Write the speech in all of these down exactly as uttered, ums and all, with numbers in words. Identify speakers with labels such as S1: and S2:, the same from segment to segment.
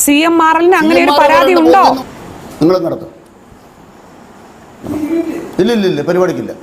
S1: C M R എല്ലിന് അങ്ങനെ ഒരു പരാതി ഉണ്ടോ?
S2: നിങ്ങൾ നടത്തും. ഇല്ല ഇല്ല ഇല്ല പരിപാടിക്കില്ല.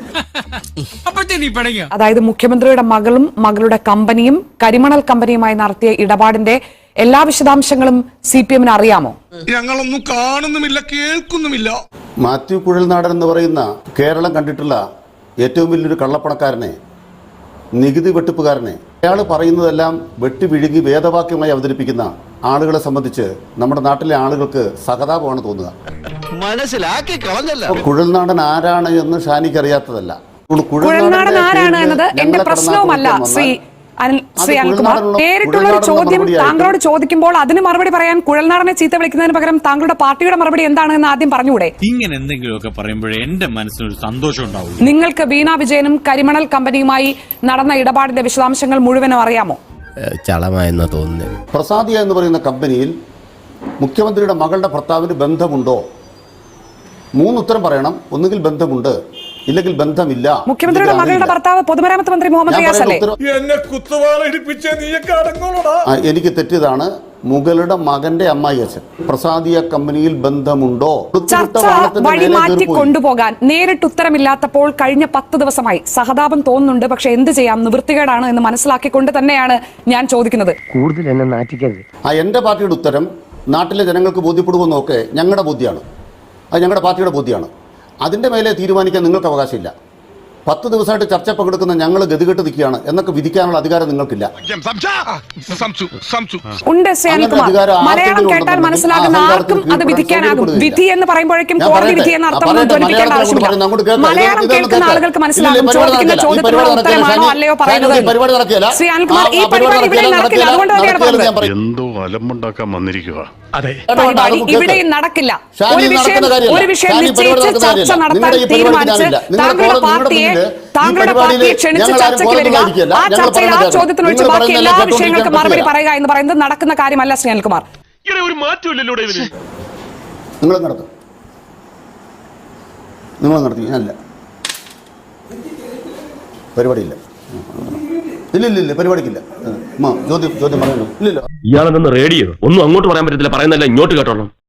S1: അതായത് മുഖ്യമന്ത്രിയുടെ മകളും മകളുടെ കമ്പനിയും കരിമണൽ കമ്പനിയുമായി നടത്തിയ ഇടപാടിന്റെ എല്ലാ വിശദാംശങ്ങളും സി പി എമ്മിന് അറിയാമോ?
S3: ഞങ്ങളൊന്നും കാണുന്നുമില്ല, കേൾക്കുന്നുമില്ല.
S2: മാത്യു കുഴൽനാടൻ എന്ന് പറയുന്ന കേരളം കണ്ടിട്ടുള്ള ഏറ്റവും വലിയൊരു കള്ളപ്പണക്കാരനെ, നികുതി വെട്ടിപ്പുകാരനെ, അയാൾ പറയുന്നതെല്ലാം വെട്ടി വിഴുങ്ങി വേദവാക്യമായി അവതരിപ്പിക്കുന്ന ആളുകളെ സംബന്ധിച്ച് നമ്മുടെ നാട്ടിലെ ആളുകൾക്ക് സഹതാപമാണ് തോന്നുക.
S4: മനസ്സിലാക്കി കളഞ്ഞല്ല.
S2: കുഴൽനാടൻ ആരാണ് എന്ന് ഷാനിക്ക് അറിയാത്തതല്ല.
S1: കുഴൽനാടൻ ആരാണ് എന്നത് എന്റെ പ്രശ്നവുമല്ല ശ്രീ ശ്രീ അനിൽകുമാർ. നേരിട്ടുള്ള ഒരു ചോദ്യം താങ്കളോട് ചോദിക്കുമ്പോൾ അതിന് മറുപടി പറയാൻ കുഴൽനാടനെ ചീത്ത വിളിക്കുന്നതിന് പകരം താങ്കളുടെ പാർട്ടിയുടെ മറുപടി എന്താണ് എന്ന് ആദ്യം പറഞ്ഞുകൂടെ?
S5: ഇങ്ങനെ എന്തെങ്കിലുമൊക്കെ പറയുമ്പോഴേ എന്റെ മനസ്സിനൊരു സന്തോഷം ഉണ്ടാവും.
S1: നിങ്ങൾക്ക് വീണ വിജയനും കരിമണൽ കമ്പനിയുമായി നടന്ന ഇടപാടിന്റെ വിശദാംശങ്ങൾ മുഴുവനും അറിയാമോ?
S4: ചളമായെന്ന് തോന്നുന്നു.
S2: പ്രസാദിയ എന്ന് പറയുന്ന കമ്പനിയിൽ മുഖ്യമന്ത്രിയുടെ മകളുടെ ഭർത്താവിന് ബന്ധമുണ്ടോ? മൂന്നുത്തരം പറയണം. ഒന്നുകിൽ ബന്ധമുണ്ട്, ഇല്ലെങ്കിൽ ബന്ധമില്ല.
S1: മുഖ്യമന്ത്രിയുടെ മകളുടെ ഭർത്താവ് പൊതുമരാമത്ത് മന്ത്രി മുഹമ്മദ് റിയാസ് അല്ലേ?
S2: എനിക്ക് തെറ്റിയതാണ്. മുകളുടെ മകന്റെ അമ്മായി അച്ഛൻ. പ്രസാദിയ കമ്പനിയിൽ ബന്ധമുണ്ടോ?
S1: ചർച്ച വഴി മാറ്റി കൊണ്ടുപോകാൻ നേരിട്ട് ഉത്തരമില്ലാത്തപ്പോൾ കഴിഞ്ഞ പത്ത് ദിവസമായി സഹതാപം തോന്നുന്നുണ്ട്. പക്ഷെ എന്ത് ചെയ്യാം, നിവൃത്തികേടാണ് എന്ന് മനസ്സിലാക്കിക്കൊണ്ട് തന്നെയാണ് ഞാൻ ചോദിക്കുന്നത്.
S6: കൂടുതൽ എന്നെ നാറ്റിക്കരുത്.
S2: ആ എന്റെ പാർട്ടിയുടെ ഉത്തരം നാട്ടിലെ ജനങ്ങൾക്ക് ബോധ്യപ്പെടുമെന്നൊക്കെ ഞങ്ങളുടെ ബോധ്യമാണ്, അത് ഞങ്ങളുടെ പാർട്ടിയുടെ ബോധ്യമാണ്. അതിൻ്റെ മേലെ തീരുമാനിക്കാൻ നിങ്ങൾക്ക് അവകാശമില്ല. പത്ത് ദിവസമായിട്ട് ചർച്ച പങ്കെടുക്കുന്ന ഞങ്ങൾ ഗതികെട്ട് നിൽക്കുകയാണ് എന്നൊക്കെ വിധിക്കാനുള്ള അധികാരം നിങ്ങൾക്കില്ല.
S1: ഉണ്ട് ശ്രീ അനിൽകുമാർ. മലയാളം കേട്ടാൽ മനസ്സിലാകുന്ന ആർക്കും അത് വിധിക്കാനാകും. വിധി എന്ന് പറയുമ്പോഴേക്കും കോടതി വിധി എന്ന അർത്ഥം ധ്വനിപ്പിക്കേണ്ട ആവശ്യമില്ല. മലയാളം കേൾക്കുന്ന ആളുകൾക്ക് മനസ്സിലാകും ചോദിക്കുന്ന ചോദ്യത്തിനുള്ള ഉത്തരമാണോ അല്ലയോ പറയുന്നത്. ശ്രീ അനിൽകുമാർ, ഈ പരിപാടി ഇവിടെ നടക്കില്ല. അതുകൊണ്ട് തന്നെയാണ് പറഞ്ഞത്.
S7: എന്തോ അലമ്പുണ്ടാക്കാൻ വന്നിരിക്കുക.
S1: പരിപാടി ഇവിടെയും നടക്കില്ല. ഒരു വിഷയം ഒരു വിഷയം നിശ്ചയിച്ച് ചർച്ച നടത്താൻ തീരുമാനിച്ച് താങ്കളുടെ പാർട്ടിയെ താങ്കളുടെ പാർട്ടിയെ ക്ഷണിച്ച് ചർച്ചയ്ക്ക് വരിക, ആ ചർച്ചയിൽ ആ ചോദ്യത്തിനൊഴിച്ച് ബാക്കി എല്ലാ വിഷയങ്ങൾക്കും മറുപടി പറയുക എന്ന് പറയുന്നത് നടക്കുന്ന കാര്യമല്ല ശ്രീ അനിൽകുമാർ.
S7: ഒരു മാറ്റമില്ലല്ലോ
S2: നിങ്ങൾ നടത്തും, നിങ്ങൾ നടത്തി. അല്ല പരിപാടിയില്ല. ഇല്ല ഇല്ല ഇല്ല പരിപാടിക്കില്ല. ചോദ്യം ചോദ്യം പറയുന്നു. ഇല്ലല്ലോ.
S8: ഇയാളെന്ന് റേഡിയോ ഒന്നും അങ്ങോട്ട് പറയാൻ പറ്റത്തില്ല, പറയുന്നല്ല ഇങ്ങോട്ട് കേട്ടോളാം.